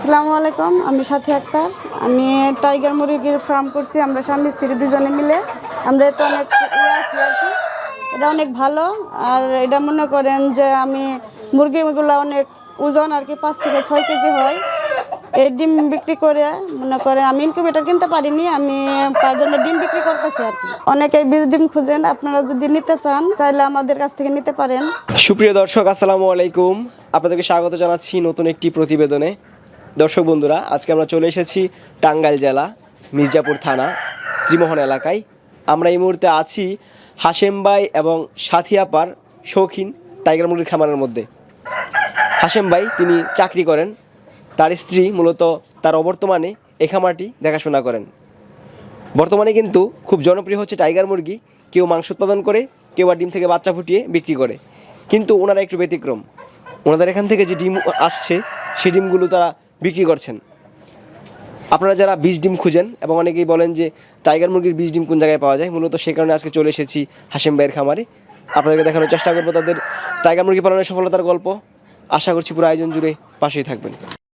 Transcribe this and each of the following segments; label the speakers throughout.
Speaker 1: আসসালামু আলাইকুম, আমি সাথী আক্তার। আমি টাইগার মুরগির ফার্ম করছি। আমরা স্বামী স্ত্রী দুজনে মিলে। আমরা তো অনেক আছি আর কি। এটা অনেক ভালো। আর এটা মনে করেন যে আমি মুরগিগুলো অনেক ওজন আর কি 5 থেকে 6 কেজি হয়। এই ডিম বিক্রি করে মনে করেন আমি ইনকিউবেটর কিনতে পারিনি, আমি তার জন্য ডিম বিক্রি করতেছি আর কি। অনেকেই বীজ ডিম খুঁজেন, আপনারা যদি নিতে চান চাইলে আমাদের কাছ থেকে নিতে পারেন।
Speaker 2: সুপ্রিয় দর্শক, আসসালামু আলাইকুম। আপনাদেরকে স্বাগত জানাচ্ছি নতুন একটি প্রতিবেদনে। দর্শক বন্ধুরা, আজকে আমরা চলে এসেছি টাঙ্গাইল জেলা মির্জাপুর থানা ত্রিমোহন এলাকায়। আমরা এই মুহূর্তে আছি হাশেম ভাই এবং সাথী আপার শৌখিন টাইগার মুরগির খামারের মধ্যে। হাশেম ভাই তিনি চাকরি করেন, তার স্ত্রী মূলত তার অবর্তমানে এই খামারটি দেখাশোনা করেন। বর্তমানে কিন্তু খুব জনপ্রিয় হচ্ছে টাইগার মুরগি। কেউ মাংস উৎপাদন করে, কেউ আর ডিম থেকে বাচ্চা ফুটিয়ে বিক্রি করে। কিন্তু ওনারা একটু ব্যতিক্রম, ওনাদের এখান থেকে যে ডিম আসছে সেই ডিমগুলো তারা বিক্রি করছেন। আপনারা যারা বীজ ডিম খুঁজেন এবং অনেকেই বলেন যে টাইগার মুরগির বীজ ডিম কোন জায়গায় পাওয়া যায়, মূলত সে কারণে আজকে চলে এসেছি হাশেম ভাইয়ের খামারে। আপনাদেরকে দেখানোর চেষ্টা করবো তাদের টাইগার মুরগি পালনের সফলতার গল্প। আশা করছি পুরো আয়োজন জুড়ে পাশেই থাকবেন।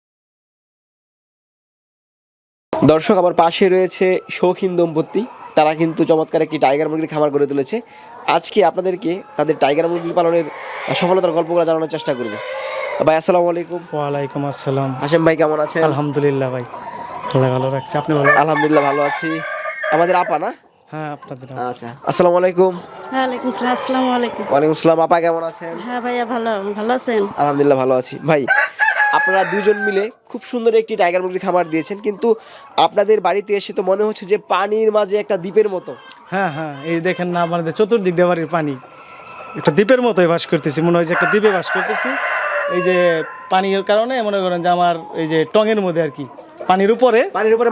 Speaker 2: দর্শক, আমার পাশে রয়েছে শৌখিন দম্পতি। তারা কিন্তু চমৎকার একটি টাইগার মুরগির খামার গড়ে তুলেছে। আজকে আপনাদেরকে তাদের টাইগার মুরগি পালনের সফলতার গল্পগুলো জানানোর চেষ্টা করব। ভাই আসসালামু আলাইকুম।
Speaker 3: ওয়ালাইকুম আসসালাম।
Speaker 2: হাশেম ভাই কেমন আছেন?
Speaker 3: আলহামদুলিল্লাহ ভাই, ভালো রাখছি। আপনি ভালো?
Speaker 2: আলহামদুলিল্লাহ ভালো আছি। আমাদের আপা না?
Speaker 3: হ্যাঁ, আপনাদের।
Speaker 2: আচ্ছা, আসসালামু আলাইকুম।
Speaker 1: ওয়ালাইকুম আসসালাম। আসসালামু আলাইকুম।
Speaker 2: ওয়ালাইকুম আসসালাম। আপা কেমন আছেন?
Speaker 1: হ্যাঁ ভাইয়া, ভালো আছেন?
Speaker 2: আলহামদুলিল্লাহ ভালো আছি। ভাই, আপনারা দুজন মিলে খুব সুন্দর একটি টাইগার মুরগির খামার দিয়েছেন, কিন্তু আপনাদের বাড়িতে এসে তো মনে হচ্ছে যে পানির মাঝে একটা দ্বীপের মতো।
Speaker 3: হ্যাঁ, এই দেখেন না, আমাদের চতুর্দিক দিয়ে বাড়ির পানি, একটা দ্বীপের মতোই বাস করতেছি। মনে হয় যে একটা দ্বীপে বাস করতেছি। এই যে পানির কারণে মনে করেন যে আমার এই যে টঙের মধ্যে আর কি পানির উপরে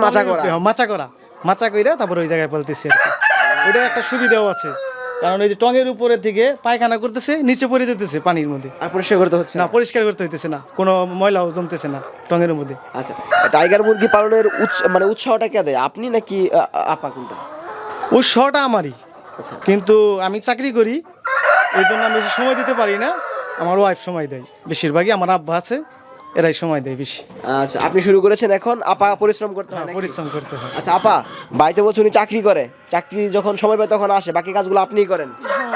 Speaker 3: মাচা কইরা তারপরে ওই জায়গায় পালতেছি আর কি। ওটা একটা সুবিধাও আছে, কারণ এই যে টঙের উপরে থেকে পায়খানা করতেছে, নিচে পড়ে যেতেছে পানির মধ্যে,
Speaker 2: আর পরিষ্কার করতে হচ্ছে
Speaker 3: না, পরিষ্কার করতে হইতেছে না, কোনো ময়লাও জমতেছে না টঙের মধ্যে।
Speaker 2: আচ্ছা, টাইগার মুরগি পালনের উৎসাহটা কে দেয়, আপনি নাকি আপা, কোনটা?
Speaker 3: উৎসাহটা আমারই।
Speaker 2: আচ্ছা,
Speaker 3: কিন্তু আমি চাকরি করি, এই জন্য আমি বেশি সময় দিতে পারি না। আমার ওয়াইফ সময় দেয় বেশিরভাগই, আমার আব্বা আছে, এরাই সময় দেয় বেশি।
Speaker 2: আচ্ছা, আপনি শুরু করেছেন, এখন আপা পরিশ্রম করতে হয়?
Speaker 3: পরিশ্রম করতে হয়।
Speaker 2: আচ্ছা আপা, ভাই তো বলছে উনি চাকরি করে, চাকরি যখন সময় পায় তখন আসে, বাকি কাজগুলো আপনিই করেন।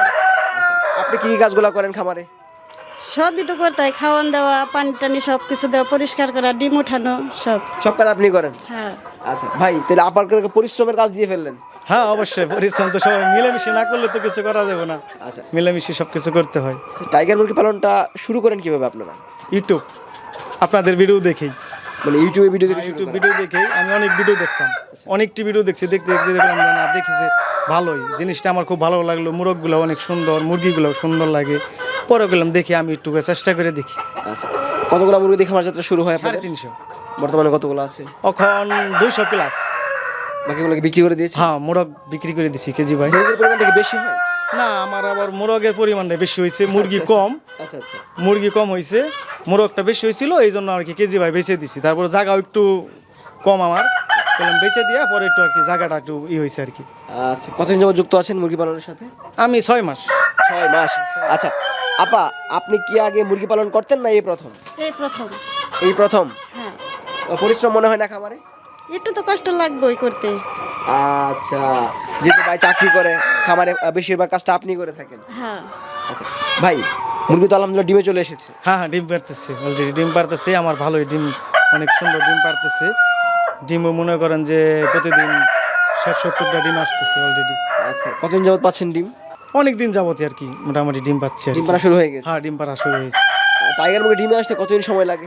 Speaker 2: আপনি কি কাজগুলো করেন খামারে?
Speaker 1: সবই তো করতে হয়, খাওয়ান দেওয়া, পানি টানি সব কিছু দেওয়া, পরিষ্কার করা, ডিম উঠানো, সব
Speaker 2: কাজ আপনি করেন?
Speaker 1: হ্যাঁ।
Speaker 2: আচ্ছা ভাই, তাহলে আপার পরিশ্রমের কাজ দিয়ে ফেললেন।
Speaker 3: হ্যাঁ, অবশ্যই পরিশ্রম তো সবাই মিলেমিশে না করলে তো কিছু করা যাবে না।
Speaker 2: আচ্ছা,
Speaker 3: মিলেমিশে সব কিছু করতে হয়।
Speaker 2: টাইগার মুরগি পালনটা শুরু করেন কিভাবে আপনারা?
Speaker 3: ইউটিউব, আপনাদের ভিডিও দেখেই,
Speaker 2: মানে ইউটিউব ভিডিও
Speaker 3: দেখেই আমি অনেক ভিডিও দেখতাম, অনেকটি ভিডিও দেখছি। দেখতে দেখলাম না, দেখি যে ভালোই জিনিসটা, আমার খুব ভালো লাগলো। মুরগগুলো অনেক সুন্দর, মুরগিগুলো সুন্দর লাগে। পরে গেলাম দেখি, আমি একটু চেষ্টা করে দেখি।
Speaker 2: আচ্ছা, কতগুলো মুরগি দিয়ে খামার যাত্রা শুরু হয়?
Speaker 3: 350।
Speaker 2: বর্তমানে কতগুলো আছে?
Speaker 3: এখন 200 প্লাস।
Speaker 2: বাকিগুলোকে বিক্রি করে দিয়েছি?
Speaker 3: হ্যাঁ, মোরগ বিক্রি করে দিছি কেজি ভাই।
Speaker 2: মুরগির পরিমাণটা কি বেশি হয়?
Speaker 3: না, আমার আবার মোরগের পরিমাণটা বেশি হয়েছে, মুরগি কম।
Speaker 2: আচ্ছা আচ্ছা,
Speaker 3: মুরগি কম হয়েছে, মোরগটা বেশি হয়েছিল, এই জন্য আর কি কেজি ভাই বেচে দিছি। তারপর জায়গাও একটু কম আমার, বেচে দিয়ে পরে একটু আর কি জায়গাটা একটু হয়েছে আর কি।
Speaker 2: আচ্ছা, কতদিন যাবত যুক্ত আছেন মুরগি পালনের সাথে?
Speaker 3: আমি 6 মাস।
Speaker 2: 6 মাস। আচ্ছা আপা, আপনি কি আগে মুরগি পালন করতেন না এই প্রথম? এই প্রথম।
Speaker 1: হ্যাঁ।
Speaker 2: পরিশ্রম মনে হয় না খামারে?
Speaker 1: একটু তো কষ্ট লাগবেই করতে।
Speaker 2: আচ্ছা, যেহেতু ভাই চাকরি করে, খামারে বেশিরভাগ কাজটা আপনি করে থাকেন।
Speaker 1: হ্যাঁ।
Speaker 2: আচ্ছা ভাই, মুরগি তো আলহামদুলিল্লাহ ডিমে চলে এসেছে।
Speaker 3: হ্যাঁ, ডিম পারতেছে, অলরেডি ডিম পারতেছে। আমার ভালোই ডিম, অনেক সুন্দর ডিম পারতেছে। ডিমও মনে করেন যে প্রতিদিন 60-70টা ডিম আসতেছে অলরেডি।
Speaker 2: আচ্ছা, কতদিন যাবত পাচ্ছেন ডিম?
Speaker 3: অনেক দিন যাবতীয় আর কি, মোটামুটি ডিম পাচ্ছি।
Speaker 2: ডিম পাড়া শুরু হয়ে গেছে?
Speaker 3: হ্যাঁ, ডিম পাড়া শুরু হয়েছে।
Speaker 2: টাইগার মুরগি ডিমে আসতে কতদিন সময় লাগে?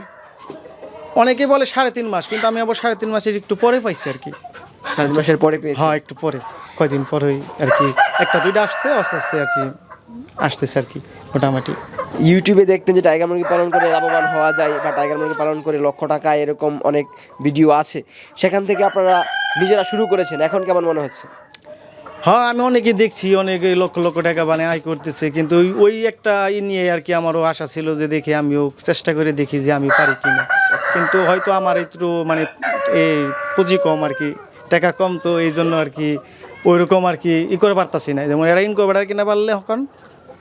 Speaker 3: অনেকে বলে 3.5 মাস, কিন্তু আমি আবার 3.5 মাসের একটু পরে পাইছি আর কি।
Speaker 2: 7 মাসের পরে পেয়েছি?
Speaker 3: হ্যাঁ, একটু পরে, কয়দিন পরেই আর কি, 1-2টা আসছে, আস্তে আস্তে আর কি আসতেছে আর কি মোটামুটি।
Speaker 2: ইউটিউবে দেখতেন যে টাইগার মুরগি পালন করে লাভবান হওয়া যায়, বা টাইগার মুরগি পালন করে লক্ষ টাকা, এরকম অনেক ভিডিও আছে, সেখান থেকে আপনারা নিজেরা শুরু করেছেন, এখন কেমন মনে হচ্ছে?
Speaker 3: হ্যাঁ, আমি অনেকে দেখছি, অনেকে লক্ষ লক্ষ টাকা আয় করতেছে, কিন্তু ওই একটা নিয়ে আর কি আমারও আশা ছিল যে দেখি আমিও চেষ্টা করে দেখি যে আমি পারি কিনা। কিন্তু হয়তো আমার একটু এই পুঁজি কম আর কি, টাকা কম, তো এই জন্য আর কি ওইরকম আর কি করে পারতাছি না। যেমন এরা ইনকিউবেটর কিনা পারলে এখন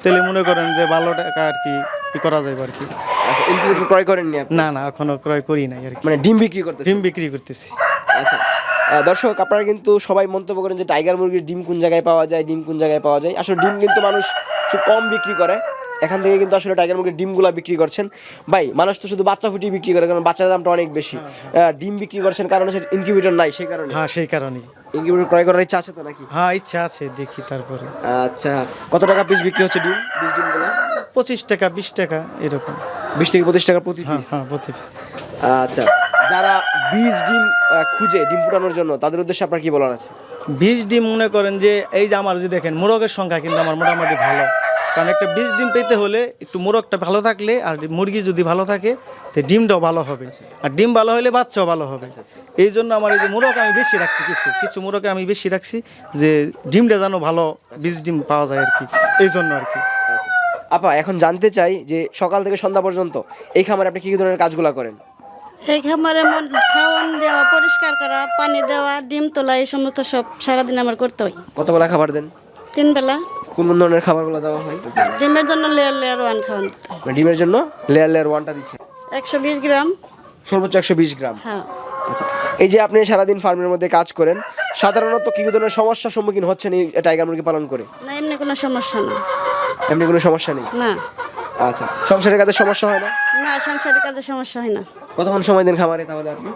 Speaker 3: তাহলে মনে করেন যে ভালো টাকা আর কি করা যাবে আর কি।
Speaker 2: আচ্ছা, ইনকিউবেটর ক্রয় করেননি আপনি?
Speaker 3: না এখনো ক্রয় করি নাই আর কি,
Speaker 2: মানে ডিম বিক্রি করতে?
Speaker 3: ডিম বিক্রি করতেছি।
Speaker 2: আচ্ছা, দর্শক আপনারা কিন্তু সবাই মন্তব্য করেন যে টাইগার মুরগির ডিম কোন জায়গায় পাওয়া যায়, ডিম কোন জায়গায় পাওয়া যায়। আসলে ডিম কিন্তু মানুষ খুব কম বিক্রি করে, এখান থেকে কিন্তু আসলে টাইগার মুরগির ডিমগুলো বিক্রি করছেন। ভাই, মানুষ তো শুধু বাচ্চা ফুটিয়ে বিক্রি করে, কারণ বাচ্চার দামটা অনেক বেশি। ডিম বিক্রি করছেন কারণ হচ্ছে ইনকিউবেটর নাই, সেই কারণে।
Speaker 3: হ্যাঁ সেই কারণেই।
Speaker 2: ইনকিউবেটর ক্রয় করার ইচ্ছা আছে তো নাকি?
Speaker 3: হ্যাঁ ইচ্ছা আছে, দেখি তারপরে।
Speaker 2: আচ্ছা, কত টাকা পিস বিক্রি হচ্ছে ডিম, বীজ ডিমগুলো?
Speaker 3: 25 টাকা 20 টাকা এরকম।
Speaker 2: 20 থেকে 25 টাকা প্রতি
Speaker 3: হ্যাঁ
Speaker 2: পিস?
Speaker 3: হ্যাঁ প্রতি পিস।
Speaker 2: আচ্ছা, যারা বীজ ডিম খুঁজে ডিম ফুটানোর জন্য, তাদের উদ্দেশ্যে আপনার কি বলার আছে?
Speaker 3: বীজ ডিম মনে করেন যে এই যে আমার যে দেখেন মোরগের সংখ্যা কিন্তু আমার মোটামুটি ভালো, কারণ একটা বীজ ডিম পেতে হলে একটু মোরগটা ভালো থাকলে আর মুরগি যদি ভালো থাকে তো ডিমটাও ভালো হবে, আর ডিম ভালো হলে বাচ্চাও ভালো হবে। এই জন্য আমার এই যে মোরগ আমি বেশি রাখছি, কিছু মোরগে আমি বেশি রাখছি যে ডিমটা যেন ভালো বীজ ডিম পাওয়া যায় আর কি, এই জন্য আর কি।
Speaker 2: আপা, এখন জানতে চাই যে সকাল থেকে সন্ধ্যা পর্যন্ত এই খামারে আপনি কি কি ধরনের কাজগুলো করেন?
Speaker 1: এই খামারে খাওয়ান দেওয়া, পরিষ্কার করা, পানি দেওয়া, ডিম তোলা, এই সমস্ত সব সারাদিন আমার করতে হয়।
Speaker 2: কত বেলা খাবার দেন?
Speaker 1: 3 বেলা।
Speaker 2: কোন কোন ধরনের খাবারগুলো দেওয়া হয়?
Speaker 1: ডিমের জন্য লেয়ার লেয়ার ওয়ান খাওয়ান,
Speaker 2: মানে ডিমের জন্য লেয়ার লেয়ার ওয়ানটা দিচ্ছে
Speaker 1: 120 গ্রাম।
Speaker 2: সর্বোচ্চ 120 গ্রাম?
Speaker 1: হ্যাঁ।
Speaker 2: আচ্ছা, এই যে আপনি সারাদিন ফার্মের মধ্যে কাজ করেন, সাধারণত কি ধরনের সমস্যার সম্মুখীন হচ্ছেন এই টাইগার মুরগি পালন করে?
Speaker 1: না, এমনি কোনো সমস্যা না।
Speaker 2: এমনি কোনো সমস্যা নেই?
Speaker 1: না
Speaker 2: আচ্ছা, সংসারের কাজে সমস্যা হয় না?
Speaker 1: না, সংসারের কাজে সমস্যা হয় না।
Speaker 2: কতক্ষণ সময় দেন খামারে তাহলে আপনি?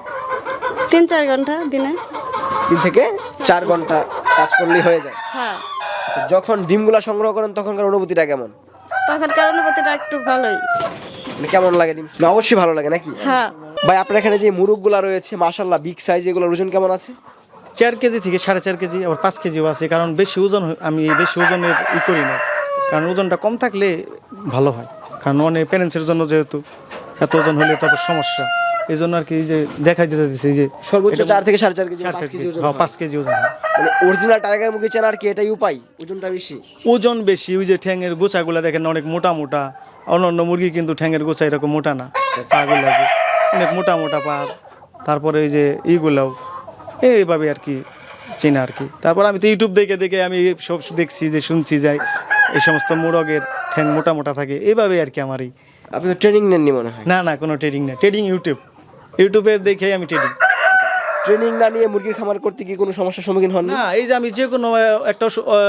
Speaker 1: 3-4 ঘন্টা দিনে।
Speaker 2: 3 থেকে 4 ঘন্টা কাজ করলেই হয়ে যায়?
Speaker 1: হ্যাঁ।
Speaker 2: আচ্ছা, যখন ডিমগুলা সংগ্রহ করেন তখনকার অনুভূতিটা কেমন?
Speaker 1: তখনকার অনুভূতিটা একটু ভালোই।
Speaker 2: মানে কেমন লাগে ডিম? না, অবশ্যই ভালো লাগে নাকি?
Speaker 1: হ্যাঁ।
Speaker 2: ভাই, আপনার এখানে যে মুরগগুলা রয়েছে মাশাআল্লাহ বিগ সাইজ, এগুলোর ওজন কেমন আছে?
Speaker 3: 4 কেজি থেকে 4.5 কেজি, আবার 5 কেজিও আছে, কারণ বেশি ওজন আমি বেশি ওজনের করি না, কারণ ওজনটা কম থাকলে ভালো হয়, কারণ অনেক প্যারেন্টসের জন্য যেহেতু এত ওজন হলে তারপর সমস্যা, এই জন্য আর কি যে দেখাই দিতে দিচ্ছে এই যে
Speaker 2: সর্বোচ্চ 4 থেকে 4.5 কেজি, 5 কেজি ওজন?
Speaker 3: 5 কেজি ওজন হয়।
Speaker 2: মানে অরিজিনাল টাইগার মুরগি চেনার কি এটাই উপায়, ওজনটা বেশি?
Speaker 3: ওজন বেশি, ওই যে ঠ্যাঙের গোছাগুলো দেখেন অনেক মোটা মোটা, অন্যান্য মুরগি কিন্তু ঠ্যাঙের গোছা এরকম মোটা না, পাগুলো অনেক মোটা মোটা পা, তারপরে এই যে এইগুলাও এইভাবে আর কি চেনা আর কি। তারপর আমি তো ইউটিউব দেখে দেখে আমি সব দেখছি, যে শুনছি যাই এই সমস্ত মোরগের ঠ্যাং মোটা মোটা থাকে, এইভাবে আর কি আমার এই।
Speaker 2: আপনি তো ট্রেনিং নেননি মনে হয়?
Speaker 3: না কোনো ট্রেডিং না, ট্রেডিং ইউটিউবের দেখে আমি ট্রেডিং।
Speaker 2: ট্রেনিং না নিয়ে মুরগির খামার করতে কি কোনো সমস্যার সম্মুখীন হন
Speaker 3: না, এই যে আমি যে কোনো একটা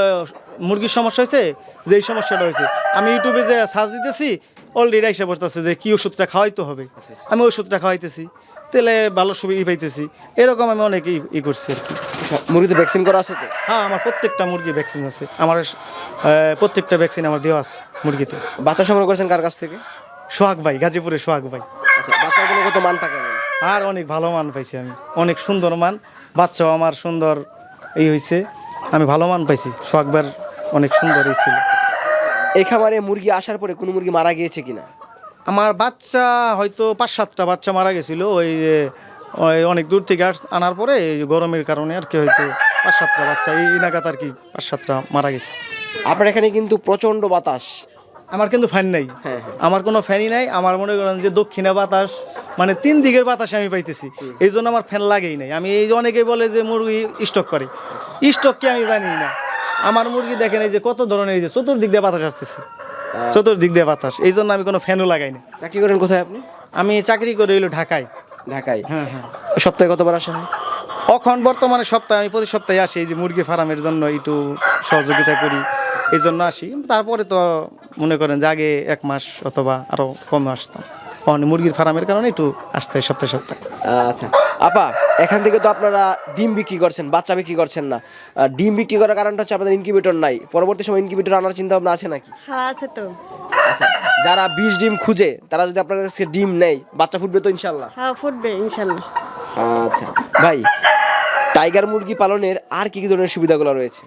Speaker 3: মুরগির সমস্যা হয়েছে, যে এই সমস্যাটা হয়েছে, আমি ইউটিউবে যে সার্চ দিতেছি, অলরেডি এসে বসতেছে যে কি ওষুধটা খাওয়াইতে হবে, আমি ওষুধটা খাওয়াইতেছি, তাহলে ভালো সুবিধা পাইতেছি, এরকম আমি অনেক ই করছি আর কি।
Speaker 2: মুরগিতে ভ্যাকসিন করা আছে তো?
Speaker 3: হ্যাঁ, আমার প্রত্যেকটা মুরগি ভ্যাকসিন আছে, আমার প্রত্যেকটা ভ্যাকসিন আমার দেওয়া আছে মুরগিতে।
Speaker 2: বাচ্চা সংগ্রহ করেছেন কার কাছ থেকে?
Speaker 3: সোহাগ ভাই, গাজীপুরে সোহাগ ভাই।
Speaker 2: আচ্ছা, বাচ্চাগুলো কত মানটা কেমন?
Speaker 3: আর অনেক ভালো মান পাইছি আমি, অনেক সুন্দর মান, বাচ্চাও আমার সুন্দর এই হয়েছে, আমি ভালো মান পাইছি, সোহাগ ভাইয়ের অনেক সুন্দর এই ছিল।
Speaker 2: এই খামারে মুরগি আসার পরে কোনো মুরগি মারা গিয়েছে কিনা?
Speaker 3: আমার বাচ্চা হয়তো 5-7টা বাচ্চা মারা গেছিলো, ওই অনেক দূর থেকে আনার পরে এই গরমের কারণে আর কি, হয়তো 5-7টা বাচ্চা এই নাগাদ আর কি 5-7টা মারা গেছে।
Speaker 2: আপনার এখানে কিন্তু প্রচণ্ড বাতাস।
Speaker 3: আমার কিন্তু ফ্যান নাই,
Speaker 2: হ্যাঁ।
Speaker 3: আমার কোনো ফ্যানই নাই, আমার মনে করেন যে দক্ষিণে বাতাস, মানে 3 দিকের বাতাস আমি পাইতেছি, এই জন্য আমার ফ্যান লাগেই নাই। আমি এই যে অনেকে বলে যে মুরগি স্টক করে, স্টক কি আমি জানি না, আমার মুরগি দেখেন এই যে কত ধরনের, এই যে চতুর্দিক দিয়ে বাতাস আসতেছে, চতুর্দিক দিয়ে বাতাস, এই জন্য আমি কোনো ফ্যানও লাগাই না।
Speaker 2: চাকরি করেন কোথায় আপনি?
Speaker 3: আমি চাকরি করে হইলো ঢাকায়।
Speaker 2: ঢাকায়?
Speaker 3: হ্যাঁ।
Speaker 2: সপ্তাহে কতবার আসেন?
Speaker 3: এখন বর্তমানে সপ্তাহে, আমি প্রতি সপ্তাহে আসি, এই যে মুরগি ফার্মের জন্য একটু সহযোগিতা করি, এই জন্য আসি। তারপরে তো মনে করেন যে আগে 1 মাস অথবা আরও কমে আসতাম, মুরগির ফার্মের কারণে একটু আসতে হয় সপ্তাহে।
Speaker 2: আচ্ছা আপা, এখান থেকে তো আপনারা ডিম বিক্রি করছেন, বাচ্চা বিক্রি করছেন না। ডিম বিক্রি করার কারণটা হচ্ছে আপনাদের ইনকিউবেটর নাই। পরবর্তী সময় ইনকিউবেটর আনার চিন্তা ভাবনা আছে নাকি?
Speaker 1: হ্যাঁ, আছে তো।
Speaker 2: আচ্ছা, যারা 20 ডিম খুঁজে তারা যদি আপনার কাছে ডিম নেয়, বাচ্চা ফুটবে তো ইনশাল্লাহ?
Speaker 1: হ্যাঁ, ফুটবে ইনশাল্লাহ।
Speaker 2: আচ্ছা ভাই, টাইগার মুরগি পালনের আর কি কি ধরনের সুবিধাগুলো রয়েছে?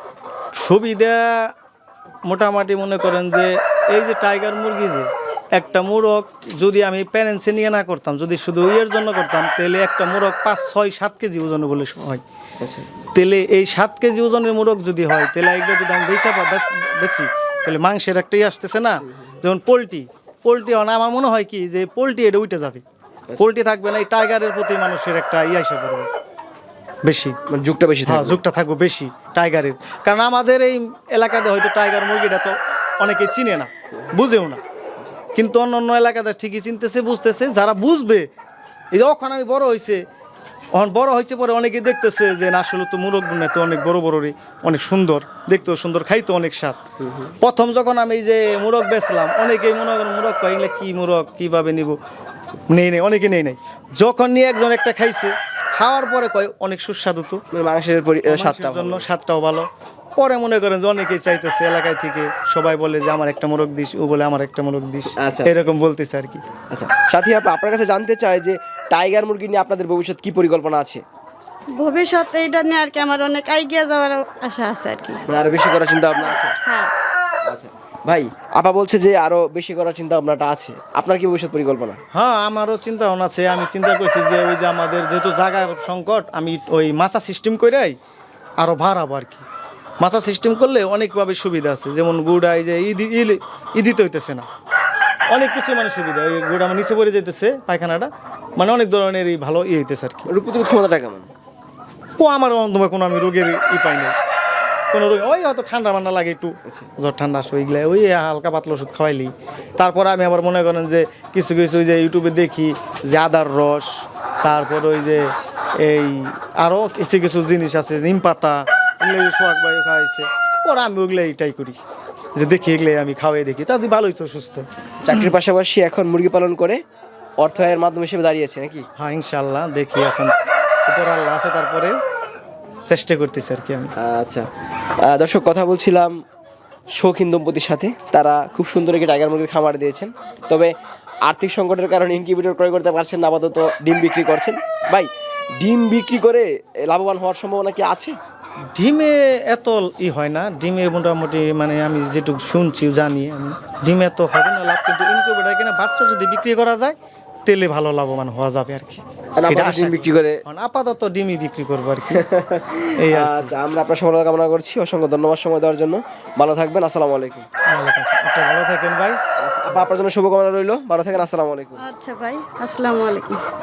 Speaker 3: সুবিধা মোটামুটি মনে করেন যে এই যে টাইগার মুরগি, যে একটা মুরগ যদি আমি প্যারেন্টসে নিয়ে না করতাম, যদি শুধু ইয়ের জন্য করতাম, তাহলে একটা মুরগ 5-6-7 কেজি ওজন বলে হয়। তাহলে এই 7 কেজি ওজনের মুরগ যদি হয়, তাহলে এগুলো যদি আমি বেশি, তাহলে মাংসের একটাই আসতেছে না। যেমন পোলট্রি আমার মনে হয় কি যে পোলট্রি এটা উঠে যাবে, পোলট্রি থাকবে না, এই টাইগারের প্রতি মানুষের একটা এসে পড়বে বেশি,
Speaker 2: মানে যুগটা বেশি থাকবে।
Speaker 3: যুগটা থাকবে বেশি টাইগারের, কারণ আমাদের এই এলাকাতে হয়তো টাইগার মুরগিটা তো অনেকে চিনে না, বুঝেও না। কিন্তু অন্য অন্য এলাকাতে ঠিকই চিনতেছে, বুঝতেছে। যারা বুঝবে, এই যে ওখানে আমি বড় হয়েছে, এখন বড় হয়েছে পরে অনেকে দেখতেছে যে না আসলে তো মুরগ না, তো অনেক বড় বড়রই, অনেক সুন্দর, দেখতেও সুন্দর, খাইতো অনেক স্বাদ। প্রথম যখন আমি এই যে মুরগ বেচলাম, অনেকেই মনে করেন মুরগ কয় এগুলা কি মুরগ, কীভাবে নিব, নেই অনেকে নেই নাই। যখন নিয়ে একজন একটা খাইছে, খাওয়ার পরে কয় অনেক সুস্বাদু তো,
Speaker 2: মানে মাংসের স্বাদটা
Speaker 3: মানুষের জন্য স্বাদটাও ভালো। পরে মনে করেন যে অনেকেই চাইতেছে এলাকায় থেকে, সবাই বলে যে আমার একটা মোরগ দিস, ও বলে আমার একটা মোরগ দিস,
Speaker 2: আচ্ছা।
Speaker 3: এরকম বলতেছে আর কি।
Speaker 2: আচ্ছা সাথী আপা, আপনার কাছে জানতে চাই যে টাইগার মুরগি নিয়ে আপনাদের ভবিষ্যৎ কি পরিকল্পনা আছে?
Speaker 1: ভবিষ্যতে এটা নিয়ে আর কি আমার অনেক এগিয়ে যাওয়ার আশা আছে আর কি।
Speaker 2: মানে আরো বেশি করার চিন্তা ভাবনা আছে?
Speaker 1: হ্যাঁ।
Speaker 2: আচ্ছা ভাই, আপা বলছে যে আরো বেশি করার চিন্তা ভাবনাটা আছে, আপনার কি ভবিষ্যৎ পরিকল্পনা?
Speaker 3: হ্যাঁ, আমারও চিন্তা ভাবনা আছে। আমি চিন্তা করছি যে ওই যে আমাদের যেহেতু জায়গার সংকট, আমি ওই মাছা সিস্টেম করেই আরও বাড়াবো আর কি। মাছা সিস্টেম করলে অনেকভাবে সুবিধা আছে, যেমন গুড়া এই যে ইদিতে হইতেছে না, অনেক কিছু মানে সুবিধা। ওই গুড়া আমার নিচে পড়ে যেতেছে পায়খানাটা, মানে অনেক ধরনের হভালো হইতেছে আর কি।
Speaker 2: রোগ প্রতিরোধ ক্ষমতাটা কেমন?
Speaker 3: আমার অন্তত কোনো আমি রোগের পাই নাই, কোনো রোগ। ওই হয়তো ঠান্ডা মান্ডা লাগে একটু, জ্বর ঠান্ডা আসে, ওইগুলো ওই হালকা পাতলা ওষুধ খাওয়াইলি। তারপরে আমি আবার মনে করেন যে কিছু কিছু ওই যে ইউটিউবে দেখি যে আদার রস, তারপর ওই যে এই আরও কিছু কিছু জিনিস আছে, নিম পাতা, এগুলো সোহাগ ভাই খাওয়াইছে, ওরা আমি ওগুলো এইটাই করি, যে দেখি এগুলো আমি খাওয়াই দেখি, তাদের ভালোই তো সুস্থ।
Speaker 2: চাকরির পাশাপাশি এখন মুরগি পালন করে অর্থ আয়ের মাধ্যম হিসেবে দাঁড়িয়েছে নাকি?
Speaker 3: হ্যাঁ, ইনশাল্লাহ দেখি, এখন উপর আল্লাহ আছে, তারপরে চেষ্টা করতেছি আর কি আমি।
Speaker 2: আচ্ছা দর্শক, কথা বলছিলাম শৌখিন দম্পতির সাথে, তারা খুব সুন্দর একটি টাইগার মুরগির খামার দিয়েছেন। তবে আর্থিক সংকটের কারণে ইনকিউবেটর ক্রয় করতে পারছেন না, আপাতত ডিম বিক্রি করছেন। ভাই, ডিম বিক্রি করে লাভবান হওয়ার সম্ভাবনা কি আছে?
Speaker 3: ডিমে এত হয় না, ডিমে মোটামুটি মানে আমি যেটুকু শুনছি জানি আমি, ডিমে এত হবে না লাভ, কিন্তু ইনকিউবেটর কিনা বাচ্চা যদি বিক্রি করা যায় তেলে ভালো লাভবান হওয়া যাবে আর কি।
Speaker 2: আর
Speaker 3: এটা
Speaker 2: আপাতত
Speaker 3: আশা
Speaker 2: ডিম
Speaker 3: করি।
Speaker 2: বিক্রি করে
Speaker 3: আপাতত ডিমই বিক্রি করবো আর কি। এই আর কি।
Speaker 2: আচ্ছা, আমরা আপনার সফলতা কামনা করছি। অসংখ্য ধন্যবাদ সময় দেওয়ার জন্য। ভালো থাকবেন। আসসালামু আলাইকুম।
Speaker 3: আপনি ভালো থাকেন ভাই।
Speaker 2: আপনার জন্য শুভকামনা রইল। ভালো থাকেন। আসসালামু আলাইকুম।
Speaker 1: আচ্ছা ভাই, আসসালামু আলাইকুম।